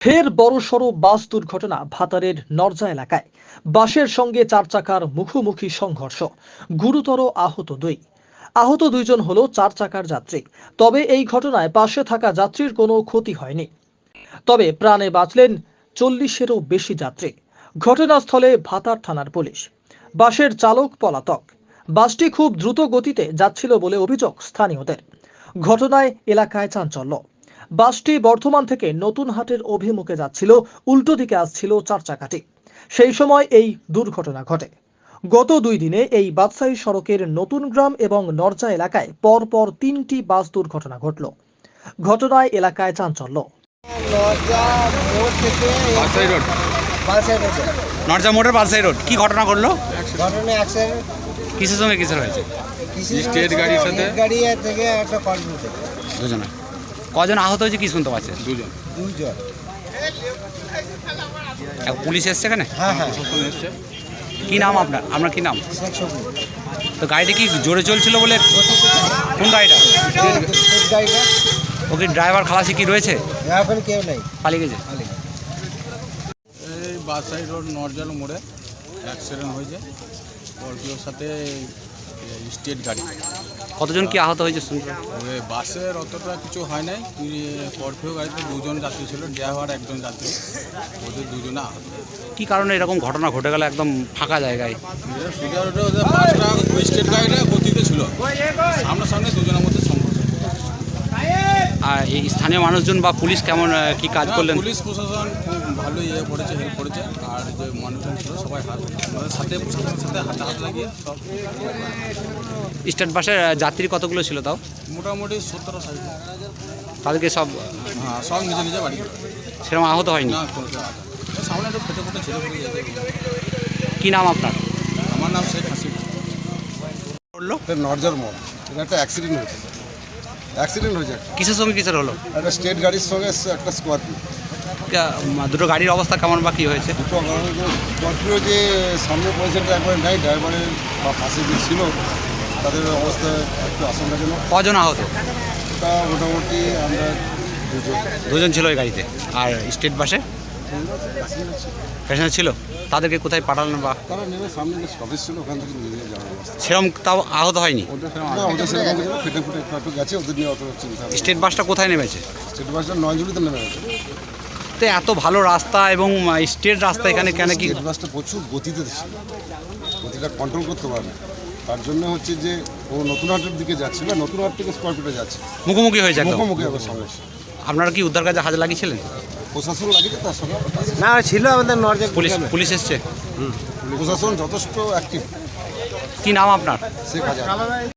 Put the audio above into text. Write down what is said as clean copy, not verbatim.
ফের বড়সড় বাস দুর্ঘটনা ভাতারের নরজা এলাকায়। বাসের সঙ্গে চার চাকার মুখোমুখি সংঘর্ষ, গুরুতর আহত দুইজন হলো চার চাকার যাত্রী। তবে এই ঘটনায় পাশে থাকা যাত্রীর কোনো ক্ষতি হয়নি। তবে প্রাণে বাঁচলেন 40-এরও বেশি যাত্রী। ঘটনাস্থলে ভাতার থানার পুলিশ। বাসের চালক পলাতক। বাসটি খুব দ্রুত গতিতে যাচ্ছিল বলে অভিযোগ স্থানীয়দের। ঘটনায় এলাকায় চাঞ্চল্য। বাসটি বর্ধমান থেকে নতুনহাটের অভিমুখে যাচ্ছিল, উল্টো দিকে আসছিল চার চাকাটি। সেই সময় এই দুর্ঘটনা ঘটে। গত 2 দিনে এই বাদশাহী সড়কের নতুন গ্রাম এবং নরজা এলাকায় পরপর 3টি বাস দুর্ঘটনা ঘটল। ঘটনায় এলাকায় চাঞ্চল্য। নরজা মোড় থেকে বালসাই রোড, বালসাই রোডে নরজা মোড়ের বালসাই রোড। কি ঘটনা ঘটলো? ঘটনা অ্যাক্সিডেন্ট। কিসের সঙ্গে কিসের হয়েছে? স্টেট গাড়ির সাথে গাড়ি থেকে একটা কর্মী থেকে দুজনে। কজন আহত হয়েছে কি শুনতে পাচ্ছেন? দুজন। পুলিশ এসছে এখানে? হ্যাঁ, প্রশাসন এসছে। কি নাম আপনার? আপনার কি নাম? শেখ সবুজ। তো গাড়িটা কি জোরে চলছিল বলে? কোন গাড়িটা? স্টেট গাড়িটা। ওকে ড্রাইভার খালাসি কি রয়েছে? এখন কেউ নেই, পালিয়ে গেছে। এই বাসাই রোড নরজাল মোড়ে অ্যাক্সিডেন্ট হয়েছে স্করপিওর সাথে স্টেট গাড়ি। কতজন কি আহত হয়েছে শুনতে? ওই বাসের অতটা কিছু হয় নাই, স্করপিও গাড়িতে দুজন যাত্রী ছিল, ড্রাইভার একজন যাত্রী, ওদের দুজনে আহত। কি কারণে এরকম ঘটনা ঘটে গেল একদম ফাঁকা জায়গায়? সোজা রোডে ওদের বাসটা ওই স্টেট গাড়িটা গতিতে ছিল, সামনাসামনি দুজনের মধ্যে সংঘর্ষ। আর এই স্থানীয় মানুষজন বা পুলিশ কেমন কি কাজ করলেন? পুলিশ প্রশাসন খুব ভালো করেছে, হেল্প করেছে। আর যে মানুষজন ছিল সবাই আমাদের সাথে প্রশাসনের সাথে হাতে হাত লাগিয়ে সব। স্টেট বাসের যাত্রী কতগুলো ছিল তাও? মোটামুটি 17-60। তাদেরকে সব হ্যাঁ, সব নিজে নিজে বাড়ি করে। সেরকম আহত হয়নি? না, কোনো সামনে একটু ফেটে ফেটে ছেলে পড়ে যেতে। কি নাম আপনার? আমার নাম শেখ হাসিব। বললো নরজার মোড়, এটা একটা অ্যাক্সিডেন্ট হয়েছে। কিসের সঙ্গে কিসের হলো? একটা স্টেট গাড়ির সঙ্গে একটা স্করপিও। দুটো গাড়ির অবস্থা কেমন বা কি হয়েছে? দুটো স্করপিও যে সামনে পয়সাটা একবার নাই, ড্রাইভারের বা পাশে যে ছিল তাদের অবস্থা একটু আশঙ্কাজনক। কজন আহত? তা মোটামুটি আমরা দুজন ছিল ওই গাড়িতে। আর স্টেট বাসে প্যাসেঞ্জার ছিল, তাদেরকে কোথায় পাঠালেন বা? তারা নেমে সামনে যে স্টপেজ ছিল ওখান থেকে নিয়ে যাওয়ার অবস্থা। সেরকম তাও আহত হয়নি? ওদের সেরকম কিছু না, ফেটে ফুটে একটু গেছে, ওদের নিয়ে অত চিন্তা নেই। স্টেট বাসটা কোথায় নেমেছে? স্টেট বাসটা নয়জুড়িতে নেমে গেছে। তো এত ভালো রাস্তা এবং স্টেট রাস্তা, এখানে কেন কি? স্টেট বাসটা প্রচুর গতিতে ছিল, গতিটা কন্ট্রোল করতে পারে। তার জন্য হচ্ছে যে ও নতুনহাটের দিকে যাচ্ছে না, নতুনহাট থেকে স্করপিওটা যাচ্ছে, মুখোমুখি হয়েছে একদম। মুখোমুখি আবার সমস্যা। আপনারা কি উদ্ধার কাজে হাত লাগিয়েছিলেন? প্রশাসন লাগিয়েছে, তার সঙ্গে না ছিল আমাদের নরজা পুলিশ এসছে? প্রশাসন যথেষ্ট অ্যাক্টিভ। কি নাম আপনার? শেখ হাজার।